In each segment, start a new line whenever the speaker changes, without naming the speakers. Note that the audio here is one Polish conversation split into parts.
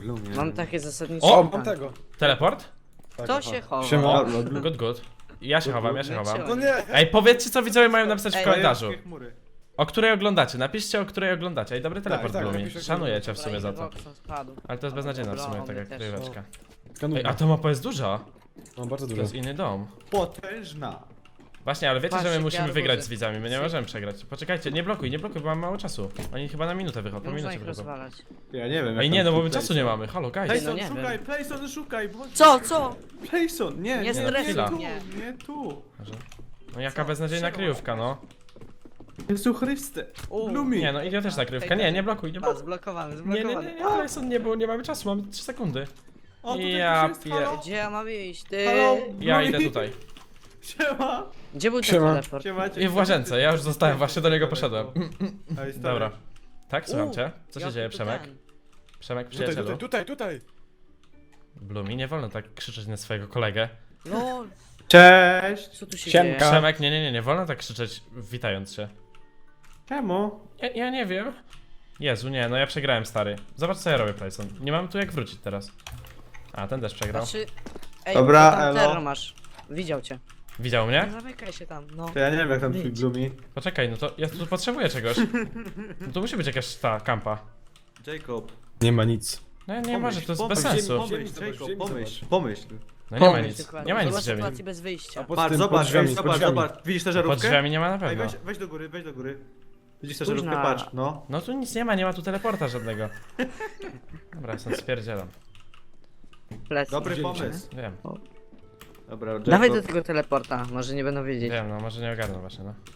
Blumie.
Mam takie zasadnicze
O,
pytanie.
mam tego.
Teleport?
Tak,
Kto
aha.
się chowa?
Siema.
Good, good. Ja się chowam, ja się chowam.
No nie.
Ej, powiedzcie co widzowie mają napisać w
Ej,
komentarzu.
Jakie chmury.
O której oglądacie, napiszcie o której oglądacie. Ej, dobry teleport
tak,
Blumi.
napiszę,
Szanuję cię w
Dobra,
sumie za to.
Xboxa spadł.
Ale to jest beznadziejna w sumie,
Dobra,
tak jak
też.
kryweczka.
Skanuję.
Ej, a ta mapa jest duża.
Mam bardzo
To
dużo.
jest inny dom.
Potężna.
Właśnie, ale wiecie, że
Patrzcie,
my
jakie
musimy
arbuzy.
wygrać z widzami, my nie możemy przegrać. Poczekajcie, nie blokuj, bo mam mało czasu. Oni chyba na minutę wychodzą, po
Można
minucie
ich
wychodzą.
rozwalać.
Ja nie wiem.
Ej,
jak
nie,
tam
no bo my
Playson.
czasu nie mamy, halo guys.
no
Playson,
nie
szukaj,
wiem.
Playson, szukaj. Bądź...
Co?
Playson, nie,
Nie
stresuj
tu,
mnie.
nie tu.
No jaka beznadziejna kryjówka, no.
Jezu Chryste.
U.
Blumi.
Nie, no idiotyczna kryjówka, nie blokuj, nie
A,
blokuj.
zblokowany,
Nie,
zblokowany.
Tyson, nie, bo nie mamy czasu, mamy 3 sekundy.
O, tutaj
Ja
ktoś jest,
pie-
halo?
Gdzie ja mam iść? Ty?
Halo?
Ja
Blumi.
idę tutaj.
Siema.
Gdzie był ten
Siema.
teleport?
Siema.
I w łazience, ja już zostałem, właśnie do niego poszedłem.
Ej, stary.
Dobra. Tak, słucham cię. Co się
jaki
dzieje,
tu
Przemek?
ten?
Przemek,
Tutaj,
przyjacielu.
tutaj.
Blumi, nie wolno tak krzyczeć na swojego kolegę.
Lol,
Cześć.
co tu się
Siemka.
dzieje?
Przemek, nie wolno tak krzyczeć witając się.
Czemu?
Ja nie wiem. Jezu, nie, no ja przegrałem, stary. Zobacz co ja robię, Playson. Nie mam tu jak wrócić teraz. A, ten też przegrał.
Znaczy... Ej,
Dobra,
tam
elo.
terror masz. Widział cię.
Widział
Nie
mnie?
zamykaj się tam, no.
To ja nie wiem jak tam twój
Wyjdź.
Blumi.
Poczekaj, no to ja tu potrzebuję czegoś. No to musi być jakaś ta kampa.
Jacob.
Nie ma nic.
No nie może, to jest
pomyśl,
bez sensu.
Pomyśl,
Zobacz,
Jacob,
ziemi
pomyśl.
zobacz.
Pomyśl.
No nie ma
Pomyśl
nic,
dokładnie.
nie ma nic w
Zobacz
ziemi.
sytuację bez wyjścia.
A pod
Patrz,
tym,
zobacz,
pod drzwiami,
ej,
pod
zobacz,
drzwiami.
zobacz. Widzisz tę żarówkę?
Pod drzwiami nie ma na
Ej,
pewno.
weź do góry, weź do góry. Widzisz tę
Spójrz
żarówkę?
na-
Patrz, no.
No tu nic nie ma tu teleporta żadnego. Dobra, ja stąd spierdzielam.
Plecy.
Dobry
Widzieliście,
pomysł.
Wiem,
Dobra, Jacob.
Dawaj do tego teleporta, może nie będą wiedzieć.
wiem, no może nie ogarnę właśnie, no.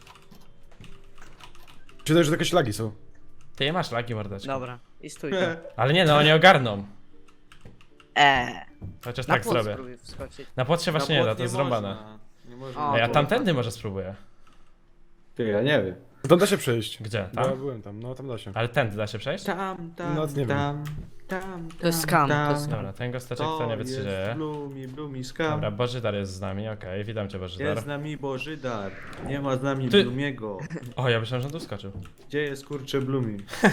Czytaj, że takie ślagi są.
Ty nie masz lagi, mordeczko.
Dobra, i stój.
Ale nie, no oni ogarną.
Eee.
Chociaż
Na
tak
płot
zrobię.
spróbuj wskoczyć.
Na płocie się właśnie nie da, to jest zrąbane.
Nie można.
O,
Ej, a
to-
tamtędy może spróbuję.
Ty, ja nie wiem.
No tam da się przejść.
Gdzie?
Bo ja
Tam?
byłem tam, no tam da się.
Ale tędy da się przejść?
Tam,
No, nie wiem.
To jest skam, to jest
tam.
skam.
Dobra, ten gosteczek to nie wie co się dzieje.
Blumi, skam.
Dobra, Bożydar jest z nami, okej, witam cię Bożydar.
Jest z nami Bożydar. Nie ma z nami
Ty-
Blumiego.
O, ja myślałem, że on tu skoczył.
Gdzie jest kurczę Blumi?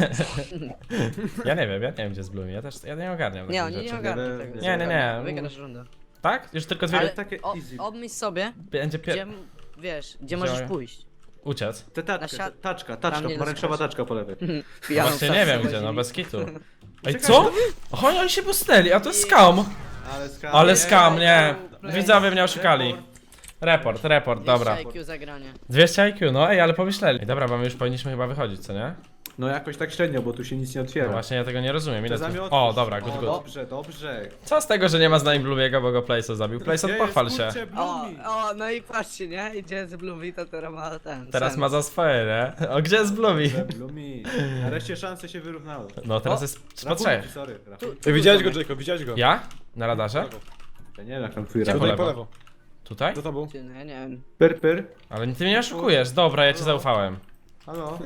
Ja nie wiem gdzie jest Blumi, ja nie ogarniam
Nie,
takich
oni nie
rzeczy.
ogarną tego.
Nie.
Wygrasz rundę.
Tak? Już tylko dwie...
Ale
takie
o,
easy.
obmyśl sobie,
Będzie
gdzie, wiesz, gdzie możesz pójść.
Uciec.
Te
Na
taczkę,
siat-
taczka,
tam nie
pomarańczowa
doskoczy.
taczka po lewej.
Pijaną
Właśnie
psa
nie wiem
przywozili.
gdzie, no bez kitu. Ej,
Czekaj,
co? Oni się posteli, a to jest skam!
Ale skam.
Ale skam, nie.
Play.
Widzowie mnie oszukali. Report, dobra.
200 IQ zagranie.
200 IQ, no ej, ale pomyśleli. Ej, dobra, bo my już powinniśmy chyba wychodzić, co nie?
No jakoś tak średnio, bo tu się nic nie
No
otwiera.
właśnie, ja tego nie rozumiem. Ile
Te
tu...
zamiotki.
O, dobra,
O,
good.
Dobrze.
Co z tego, że nie ma z nami Blumiego, bo go Playson zabił? Playson,
Gdzie
pochwal
jest,
się.
kurczę,
O,
Blumi?
no i patrzcie, nie? Idzie z Blumi, to teraz ma ten.
Teraz
sen.
ma za swoje, nie? O, gdzie jest Blumi?
Blumi. Nareszcie szanse się wyrównały.
No, teraz
O,
jest po
Rachunki,
trzech.
sorry. rachunki.
Ej, widziałeś go, Jacob, widziałeś go?
Ja? Na radarze?
Ja nie wiem jak tam twój
Gdzie
rachunek.
Tutaj
po
po
lewo?
lewo.
Tutaj?
Za tobą.
Ty, no ja nie wiem.
Pyr.
Ale ty mnie oszukujesz. Dobra, ja ci zaufałem.
Halo?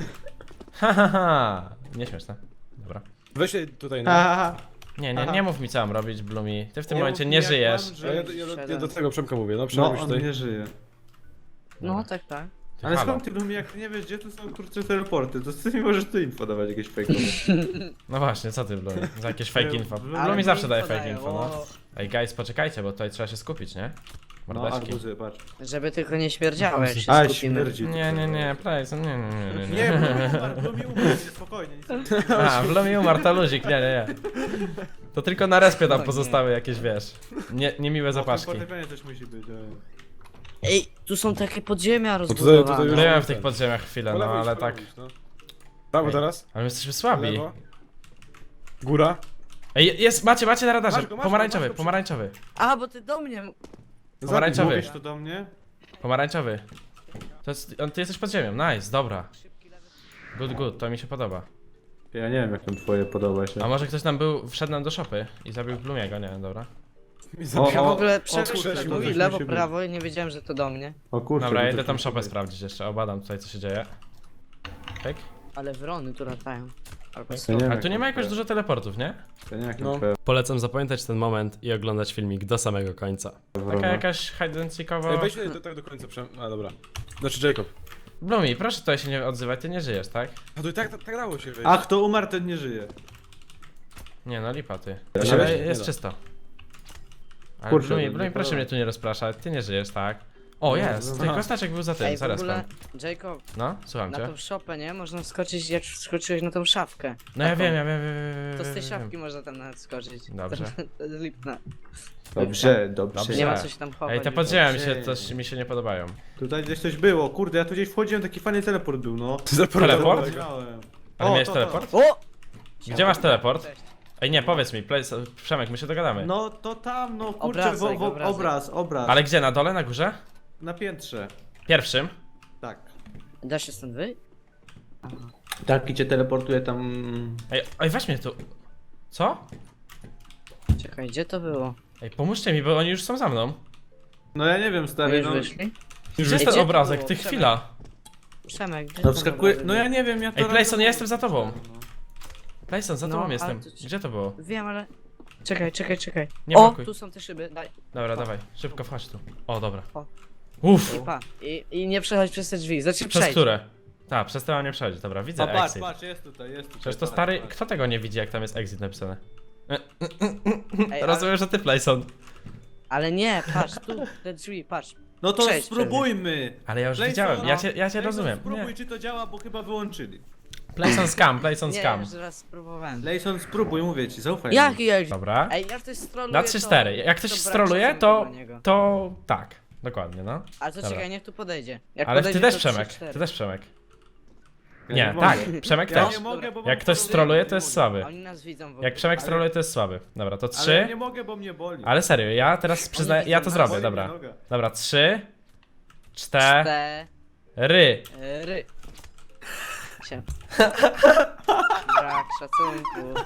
Ha. Nieśmieszne. Dobra.
Weź się tutaj na...
Haha.
Nie mów mi co mam robić, Blumi. Ty w tym
Nie
momencie
mów
nie
mi, jak
żyjesz.
mam
A ja do tego Przemka mówię, no
No,
przynajmniej
on
tutaj.
nie żyje.
No tak, tak.
Ty,
Ale
halo.
skąd ty Blumi, jak ty nie wiesz gdzie tu są kurczę teleporty, to ty mi możesz tu info dawać jakieś fejkowe.
No właśnie, co ty, Blumi? Za jakieś fake info.
Ale
Blumi zawsze daje fake
dają,
info, no.
o.
Ej, guys, poczekajcie, bo tutaj trzeba się skupić, nie?
No,
Mordeczki.
arbuzy, patrz.
Żeby tylko nie śmierdziało, jak się
A,
skupimy.
śmierdzi.
Nie, Playson, nie.
Nie, Blumi umarł, spokojnie. Nic nie
A, Blumi umarł, to luzik, nie. To tylko na respie tam pozostały jakieś, wiesz, niemiłe zapaszki.
Fortepianie też musi być.
Ej, tu są takie podziemia
tutaj
rozbudowane.
już-
Byłem w tych podziemiach chwilę,
Po
no
lewo idź,
ale
po
tak.
lewo idź, no. Prawo
Ej.
teraz.
Ale my jesteśmy słabi.
Lewo. Góra.
Ej, jest, macie na radarze.
Masz go,
Pomarańczowy,
masz go.
pomarańczowy.
A, bo ty do mnie...
Pomarańczowy.
Mówisz to do mnie?
Pomarańczowy. Ty jesteś pod ziemią, nice, dobra. Good, to mi się podoba.
Ja nie wiem jak tam twoje podoba się.
A może ktoś tam wszedł nam do szopy i zabił Blumiego, nie wiem, dobra.
Ja w ogóle
kurczę,
przeszedłem,
to
mówi
coś
lewo,
musi być.
prawo i nie wiedziałem, że to do mnie.
O kurczę.
Dobra,
to
ja idę
coś
tam
musi
szopę
być.
sprawdzić jeszcze, obadam tutaj co się dzieje. Pyk.
Ale wrony tu latają. Albo
Ja
są.
nie wiem,
Ale tu nie
jak
ma
tam
jakoś
twoje-
dużo teleportów, nie?
Ja nie wiem jak
No.
tam twoje
Polecam zapamiętać ten moment i oglądać filmik do samego końca. Taka
wrona.
jakaś hide and seekowo...
Ej, weź się tak do końca Przem... A dobra. Znaczy Jacob.
Blumi, proszę tutaj się nie odzywaj, ty nie żyjesz, tak?
A tu tak dało się wejść.
A kto umarł, ten nie żyje.
Nie no, lipa ty.
się
Ale
weźmie,
jest
nie da.
czysto. Ale
Kurczę,
Blumi,
no,
Blumi,
nie
proszę
podoba.
mnie tu nie rozpraszać, ty nie żyjesz, tak? O, jest,
no.
ty kostaczek był za tym,
Ej, w
zaraz
ogóle,
pan.
Jacob,
No, słucham
na
cię.
tą szopę, nie? Można skoczyć, jak skoczyłeś na tą szafkę.
No ja
Taką.
wiem.
To z tej szafki można tam nawet skoczyć.
Dobrze.
To jest lipne.
Dobrze.
Dobrze.
Nie ma co się tam chować.
Ej, te podziemia mi się,
Dobrze.
też mi się nie podobają.
Tutaj gdzieś coś było, kurde, ja tu gdzieś wchodziłem, taki fajny teleport był, no.
Teleport?
Widziałem.
Ale
O,
miałeś
to.
teleport?
O!
Gdzie masz teleport?
Cześć.
Ej, nie, powiedz mi, Przemek, my się dogadamy.
No to tam, no kurczę,
Obrazek, obrazek.
obraz.
Ale gdzie, na dole, na górze?
Na piętrze.
Pierwszym?
Tak.
Da się stąd wyjść?
Tak, i cię teleportuje tam...
Ej, weź mnie tu. Co?
Czekaj, gdzie to było?
Ej, pomóżcie mi, bo oni już są za mną.
No ja nie wiem,
My
stary,
już
no...
wyszli?
Gdzie jest
Ej,
ten
gdzie to
obrazek?
było?
Ty
Przemek.
chwila.
Przemek, gdzie
No
ten
wskakuje...
obrazek
No ja
był?
nie wiem, ja to...
Ej, Playson, ja jestem za tobą.
No.
Playson, za
No,
tobą
ale
jestem.
to-
Gdzie to było?
Wiem, ale... Czekaj.
Nie
O,
blokuj.
tu są te szyby, daj.
Dobra, dawaj, szybko wchodź tu. O, dobra.
O.
Uff,
I pa. I nie przechodź przez te drzwi, znaczy
przez
przejdź.
które? Tak, przez te mam nie przechodzić, dobra, widzę
A patrz,
exit.
patrz, jest tutaj, jest tutaj.
Przecież to
patrz,
stary,
patrz.
kto tego nie widzi, jak tam jest exit napisane?
Ej,
Rozumiem, że ty Playson.
ale nie, patrz, tu, te drzwi, patrz.
No to
Przejdź
spróbujmy!
Ale ja już
Playson,
widziałem, ja cię
Playson,
rozumiem.
Spróbuj,
Nie.
czy to działa, bo chyba wyłączyli.
Playson scam, Playson
Nie,
scam.
już raz spróbowałem.
Lejson, spróbuj, mówię ci, zaufaj mi.
Jaki exit?
Dobra.
Ej, jak ktoś stroluje,
Na 3-4. Jak ktoś
brak
stroluje,
szacunku
to,
dla niego.
to tak. Dokładnie, no.
Ale to
Dobra.
czekaj, niech tu podejdzie. Jak
Ale ty
podejdzie,
też
to
Przemek,
3-4.
ty też Przemek.
Ja
Nie,
mogę.
tak, Przemek
Ja
też.
nie mogę, bo
Jak
mam
ktoś
chorobę,
stroluje,
nie
to jest
mogę.
słaby.
Oni nas widzą w ogóle.
Jak Przemek
Ale-
stroluje, to jest słaby. Dobra, to
Ale ja
3.
nie mogę, bo mnie boli.
Ale serio, ja teraz przyznaję, ja to
widzą,
zrobię,
boli
dobra.
mnie noga.
Dobra, 3, 4.
4. Się. Brak szacunku.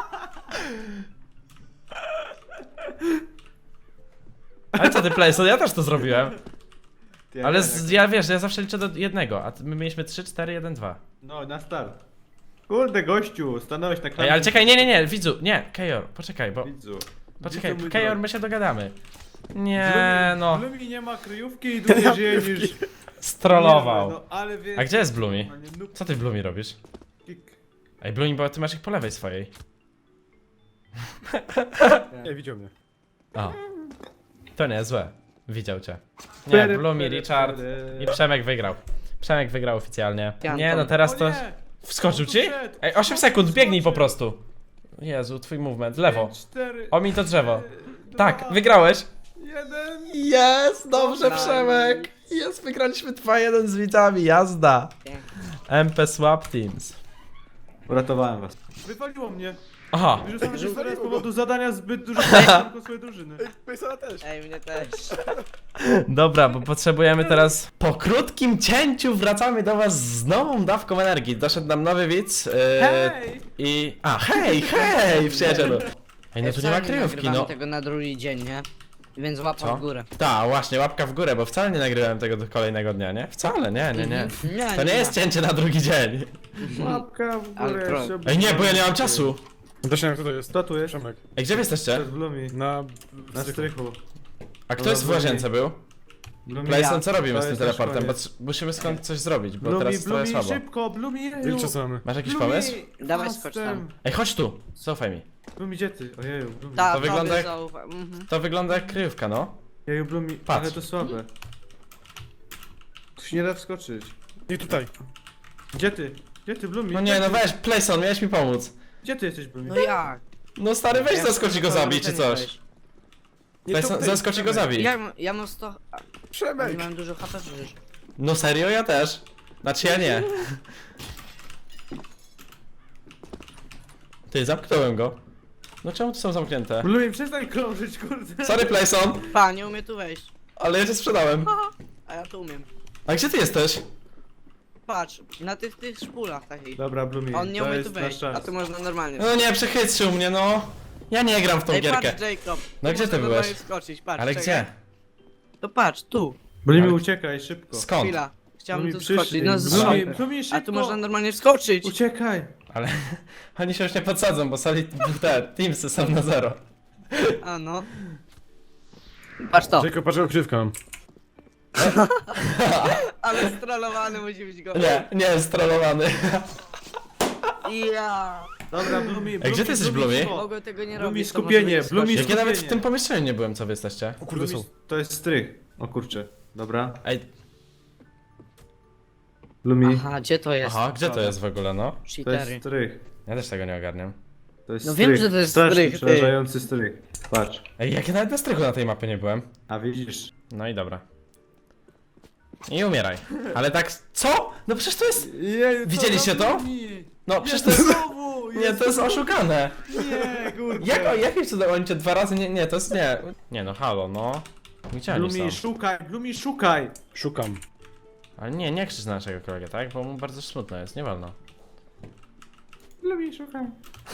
Ale co ty, Playson, ja też to zrobiłem.
Ty,
Ale
jak-
ja wiesz, ja zawsze liczę do jednego, a my mieliśmy 3, 4, 1, 2.
No, na start. Kurde, gościu, stanąłeś na klamce.
Ej, ale czekaj, nie, widzu, nie, Kejor, poczekaj, bo,
Widzu.
poczekaj,
Widzu, mój
Kejor,
drogi.
my się dogadamy. Nie, no,
Blumi nie ma kryjówki i dłużej żyje niż...
strollował.
Nie, no, ale wiesz...
A gdzie jest Blumi?
normalnie noob
Co ty w Blumi robisz?
kick.
Ej, Blumi, bo ty masz ich po lewej swojej.
Nie, widział mnie.
O. To nie, złe. Widział cię. Nie, Blumi, Richard i Przemek wygrał. Przemek wygrał oficjalnie. Nie, no teraz
O
to...
nie!
Wskoczył
On tu
ci?
wszedł.
Ej, 8
On
sekund,
tu
biegnij po
wskoczył.
prostu. Jezu, twój movement, lewo.
5, 4,
Omiń to drzewo.
2,
Tak, wygrałeś.
1.
Jest, dobrze
Nice.
Przemek. Jest, wygraliśmy 2-1 z widzami, jazda.
Pięknie.
MP Swap Teams.
Uratowałem was. Wywaliło mnie.
Aha,
Wyrzucałem się z powodu zadania zbyt dużo do swojej drużyny.
Pejsona też.
Ej, mnie też.
dobra, bo potrzebujemy teraz... Po krótkim cięciu wracamy do was z nową dawką energii. Doszedł nam nowy widz.
Hej!
I... A, hej, przyjacielu. Ej, no tu nie ma
Wcale
kryjówki,
nagrywamy
no.
tego na drugi dzień, nie? Więc łapa
Co?
w górę.
Tak, właśnie, łapka w górę, bo wcale nie nagrywałem tego do kolejnego dnia, nie? Wcale, nie.
Nie,
To nie jest cięcie na drugi dzień.
Łapka w
Ale
górę.
pro-
jeszcze
Ej, nie, bo ja nie mam czasu.
Dosięg, kto to jest?
Kto tu jest?
Przemek.
Ej, gdzie wy jesteście?
Przed Blumi.
Na
strychu.
A kto jest w łazience był?
Blumi,
Playson, co robimy
To
z tym
jest
teleportem? Bo
nasz
musimy skąd coś zrobić, bo
Blumi,
teraz jest trochę
Blumi,
słabo.
szybko, Blumi,
Ile
jeju.
czasu mamy?
Masz jakiś
Blumi,
pomysł?
Dawaj,
fastem.
skocz tam.
Ej, chodź tu, zaufaj mi.
Blumi, gdzie ty? Ojeju, Blumi.
Ta,
To wygląda jak-
zaufa. Mhm.
To wygląda jak kryjówka, no.
Jeju, Blumi,
Patrz.
ale to słabe. Tu się nie da wskoczyć.
I tutaj.
Gdzie ty? Gdzie ty, Blumi?
No nie, no weź, Playson, miałeś mi pomóc.
Gdzie ty jesteś, Blumi?
No jak?
No stary, weź
Ja
zaskocz i go
to
zabij,
ten
czy coś.
weź.
Playson, zaskocz i go zabij.
Ja mam 100... A, nie mam dużo HP przecież.
No serio, ja też. Znaczy ja nie. Ty, zamknąłem go. No czemu tu są zamknięte?
Blumi, przestań krążyć, kurde.
Sorry, Playson,
Pa, nie umie tu wejść.
ale ja cię sprzedałem.
A ja tu umiem.
A gdzie ty jesteś?
Patrz, na tych szpulach takich.
Dobra, Blumi,
On nie
to
umie
jest
tu
nasz
wejść, a
czas.
tu można normalnie.
No nie, przechytrzył mnie, no. Ja nie gram w tą
Ej,
gierkę.
patrz, Jacob.
No
Tu
gdzie ty
można
byłeś?
normalnie skoczyć, patrz.
Ale
czekaj.
gdzie?
To patrz, tu.
Blumi,
Ale-
uciekaj, szybko.
Skąd?
Chwila. Chciałbym
Blumi,
tu skoczyć. No z
Blumi,
szopy.
Blumi, szybko.
A tu można normalnie wskoczyć.
Uciekaj.
Ale oni się już nie podsadzą, bo sali te teamsy są na 0.
A no. Patrz to.
Jacob, patrz, krywkę mam.
Ale strollowany musi być go.
Nie, nie jest trollowany.
Ja.
Dobra, Blumi,
Ej, gdzie ty jesteś, Blumi?
Mogę tego nie
Blumi,
robić. to
skupienie,
może być
Blumi,
Jak ja nawet w
skupienie.
tym pomieszczeniu nie byłem, co wy jesteście?
O kurde, są.
To jest strych. O kurczę. Dobra.
Ej,
Blumi.
Aha, gdzie to jest?
aha, gdzie to jest w ogóle, no?
To jest
Cheatery.
strych.
Ja też tego nie ogarniam.
To jest
No
strych.
wiem, że to jest
Strasznie
strych, ty.
przerażający strych. Patrz.
Ej, jak ja nawet na strychu na tej mapie nie byłem.
A widzisz?
No i dobra. I umieraj. Ale tak, co? No przecież to jest...
Jeju,
Widzieliście to? No przecież to jest... Nie, to jest oszukane.
Nie, kurde.
Jakim cudem oni cię 2 razy nie, to jest nie. Nie no, halo, no. Gdzie oni
Blumi,
są?
szukaj, Blumi, szukaj.
Szukam.
Ale nie krzycz na naszego kolegę, tak? Bo mu bardzo smutno jest, nie wolno.
Blumi, szukaj.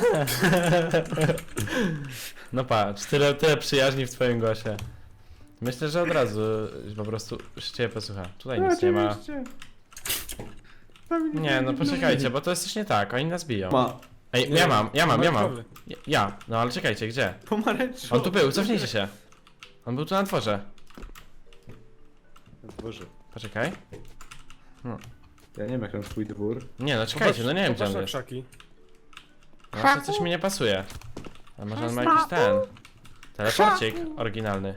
No patrz, tyle przyjaźni w twoim głosie. Myślę, że od razu po prostu się ciebie posłucha. Tutaj nic nie ma.
Oczywiście.
Nie, no poczekajcie, bo to jest coś nie tak, oni nas biją.
Ma.
Ej,
Nie,
ja mam.
pomarańczowy.
Ja, no ale czekajcie, gdzie?
Pomarańczowy.
On tu był, cofnijcie się. On był tu na dworze.
Boże.
Poczekaj.
Ja nie wiem jak tam twój dwór.
Nie no, czekajcie, no nie wiem gdzie
Popatrz
on
na
jest.
krzaki.
Właśnie coś mi nie pasuje. A może on ma jakiś ten... Teleporcik oryginalny.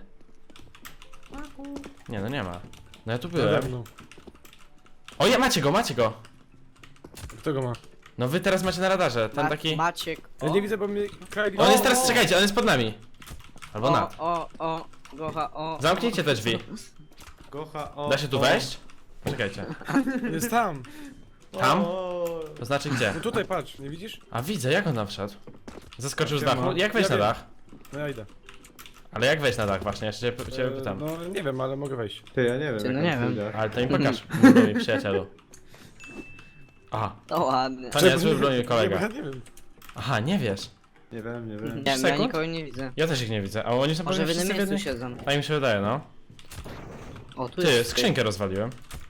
Nie no nie ma. No ja tu
Nade
byłem.
mną.
O ja, macie go!
Kto go ma?
No wy teraz macie na radarze, ten taki...
Maciek.
Ja nie widzę, bo mnie Kylie...
On jest teraz, czekajcie, on jest pod nami. Albo nad.
O, Gocha, o.
Zamknijcie te drzwi.
Gocha, o.
Da się tu wejść? Poczekajcie.
Jest tam.
Tam?
O.
To znaczy gdzie?
No tutaj patrz, nie widzisz?
A widzę, jak on tam wszedł. Zaskoczył z
Siema.
dachu. Jak wejść
Ja
na
wiem.
dach?
No ja idę.
Ale jak wejść na dach właśnie? Jeszcze cię pytam.
No nie wiem, ale mogę wejść.
Ty, ja nie wiem.
Ty,
jak
no
tam
nie wiem.
pójdę.
Ale to mi pokaż, mój przyjacielu. Aha,
To ładnie.
to nie zły broni
Nie, bo
kolega.
ja nie wiem.
Aha, nie wiesz.
Nie wiem, nie wiem.
Nie wiem, ja
sekund?
nikogo nie widzę.
Ja też ich nie widzę, a oni są
Może w
pewnie
innym
wszyscy
miejscu
jednej-
siedzą.
A im się wydaje, no.
O, tu
Ty,
jest.
skrzynkę rozwaliłem.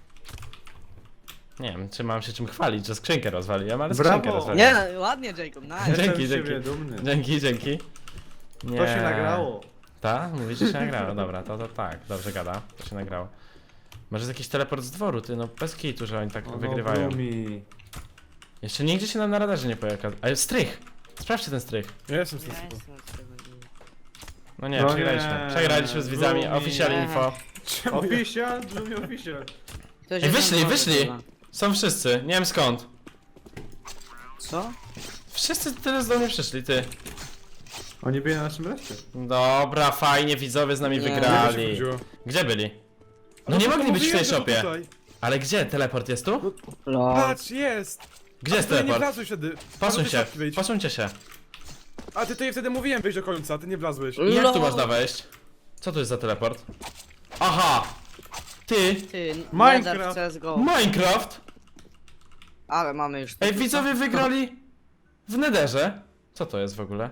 Nie wiem, czy mam się czym chwalić, że skrzynkę rozwaliłem, ale
Brawo!
skrzynkę rozwaliłem.
Nie, no, ładnie, Jacob, nice.
Jestem
Dzięki,
z siebie
dzięki.
dumny.
Dzięki. Nie.
To się nagrało.
Tak? Mówisz, że się nagrało. Dobra, to tak, dobrze gada. To się nagrało. Może jest jakiś teleport z dworu, ty, no bez kitu, że oni tak
O,
wygrywają.
Blumi.
Jeszcze nigdzie się nam na radarze nie pojawia. Ale strych! Sprawdźcie ten strych.
Ja jestem z
Ja
tym
jestem z tego nie-
No nie,
No
przegraliśmy.
nie,
Przegraliśmy z widzami.
Blumi.
Official
Nie.
info.
Official, Blumi official.
Ktoś
Ej,
jest
wyszli,
na dworze
wyszli!
chyba.
Są wszyscy, nie wiem skąd.
Co?
Wszyscy teraz do mnie przyszli, ty.
Oni byli na naszym reszcie.
Dobra, fajnie, widzowie z nami
Nie.
Nie
wygrali.
chodziło.
Gdzie byli? No
Ale
nie
to
mogli być w tej
mówiłem, że
shopie.
tutaj.
Ale gdzie? Teleport jest tu?
Lol.
Patrz, jest!
Gdzie jest
A ty nie
teleport?
wlazłeś wtedy.
Posuń
Do
się,
szafki wejdź.
posuńcie się.
A ty tutaj wtedy mówiłem wejść do końca, ty nie wlazłeś.
I jak tu
Lol.
można wejść? Co to jest za teleport? Aha! Ty!
Ty,
Minecraft.
Nether w CSGO.
Minecraft!
Ale mamy już...
Ej, widzowie wygrali w Netherze. Co to jest w ogóle?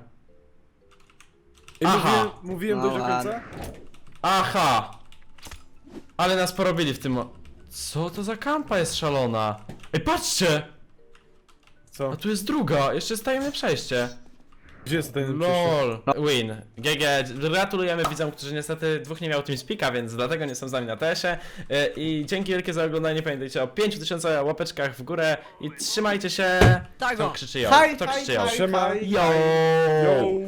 I
Aha.
mówiłem
No
dojść do końca?
ładnie.
Aha! Ale nas porobili w tym Co to za kampa jest szalona? Ej, patrzcie!
Co?
A tu jest druga, jeszcze jest tajemne przejście.
Gdzie jest ten
LOL! Win. GG. Gratulujemy widzom, którzy niestety dwóch nie miał TeamSpeaka, więc dlatego nie są z nami na TS-ie. I dzięki wielkie za oglądanie. Pamiętajcie o 5000 łapeczkach w górę i trzymajcie się.
Tak,
Kto
o.
krzyczy jo?
Haj,
Kto
haj,
krzyczy jo?
haj,
Siema.
haj.
Yo!
Yo!